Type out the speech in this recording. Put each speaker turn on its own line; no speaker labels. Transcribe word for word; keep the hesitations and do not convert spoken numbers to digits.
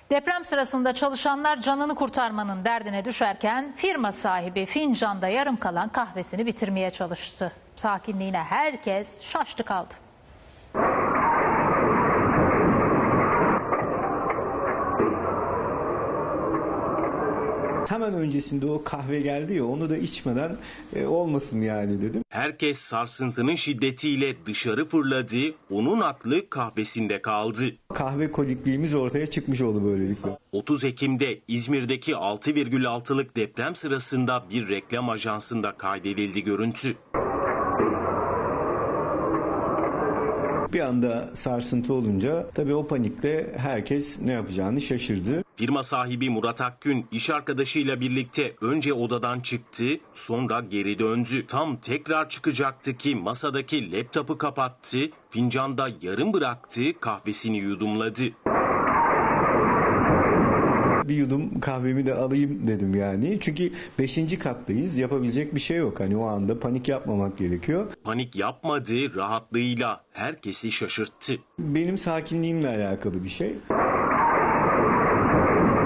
Deprem sırasında çalışanlar canını kurtarmanın derdine düşerken firma sahibi fincanda yarım kalan kahvesini bitirmeye çalıştı. Sakinliğine herkes şaştı kaldı.
Hemen öncesinde o kahve geldi ya, onu da içmeden e, olmasın yani dedim.
Herkes sarsıntının şiddetiyle dışarı fırladı, onun aklı kahvesinde kaldı.
Kahve kolikliğimiz ortaya çıkmış oldu böylelikle.
otuz Ekim'de İzmir'deki altı virgül altılık deprem sırasında bir reklam ajansında kaydedildi görüntü.
Bir anda sarsıntı olunca tabii o panikle herkes ne yapacağını şaşırdı.
Firma sahibi Murat Akgün iş arkadaşıyla birlikte önce odadan çıktı, sonra geri döndü. Tam tekrar çıkacaktı ki masadaki laptopu kapattı, fincanda yarım bıraktı, kahvesini yudumladı.
Bir yudum kahvemi de alayım dedim yani. Çünkü beşinci kattayız. Yapabilecek bir şey yok. Hani o anda panik yapmamak gerekiyor.
Panik yapmadı, rahatlığıyla herkesi şaşırttı.
Benim sakinliğimle alakalı bir şey.